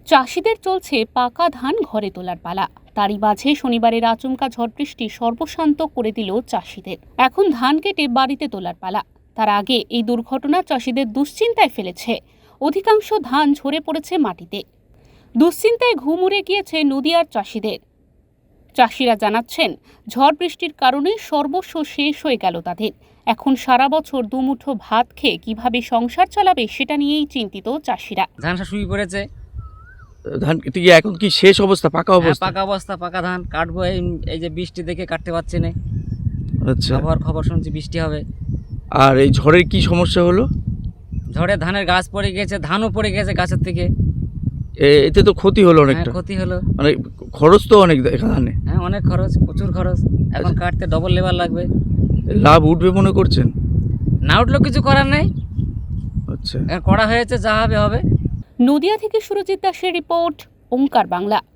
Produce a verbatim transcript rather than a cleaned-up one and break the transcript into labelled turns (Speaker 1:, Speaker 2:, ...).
Speaker 1: চাষিদের চলছে পাকা ধান ঘরে তোলার পালা। তারই মাঝে শনিবারের আচমকা ঝড় বৃষ্টি সর্বশান্ত করে দিল চাষিদের। এখন ধান কেটে বাড়িতে তোলার পালা। তার আগে এই দুর্ঘটনা চাষিদের দুশ্চিন্তায় ফেলেছে। অধিকাংশ ধান ঝরে পড়েছে মাটিতে। দুশ্চিন্তায় ঘুম উড়ে গিয়েছে নদিয়ার চাষিদের। চাষিরা জানাচ্ছেন, ঝড় বৃষ্টির কারণে সর্বস্ব শেষ হয়ে গেল তাদের। এখন সারা বছর দুমুঠো ভাত খেয়ে কিভাবে সংসার চালাবে সেটা নিয়েই চিন্তিত চাষিরা।
Speaker 2: ধান শুয়ে পড়েছে।
Speaker 3: ধান কি এখন কি শেষ অবস্থা, পাকা অবস্থা?
Speaker 2: পাকা অবস্থা, পাকা ধান কাটবো। এই এই যে বৃষ্টি দেখে কাটতে পারছি না।
Speaker 3: আচ্ছা,
Speaker 2: আবহাওয়ার খবর শুনছি বৃষ্টি হবে।
Speaker 3: আর এই ঝড়ের কি সমস্যা হলো?
Speaker 2: ঝড়ে ধানের গাছ পড়ে গেছে, ধানও পড়ে গেছে গাছের থেকে।
Speaker 3: এ- এতে তো ক্ষতি হলো অনেকটা।
Speaker 2: হ্যাঁ, ক্ষতি হলো।
Speaker 3: মানে খরচ তো অনেক এখানে।
Speaker 2: হ্যাঁ, অনেক খরচ, প্রচুর খরচ। এখন কাটতে ডবল লেবার লাগবে।
Speaker 3: লাভ উঠবে মনে করছেন?
Speaker 2: না উঠলেও কিছু করার নেই।
Speaker 3: আচ্ছা,
Speaker 2: এখন করা হয়েছে, যা হবে হবে।
Speaker 1: নদিয়া থেকে সুরজিৎ দাসের রিপোর্ট, ওঙ্কার বাংলা।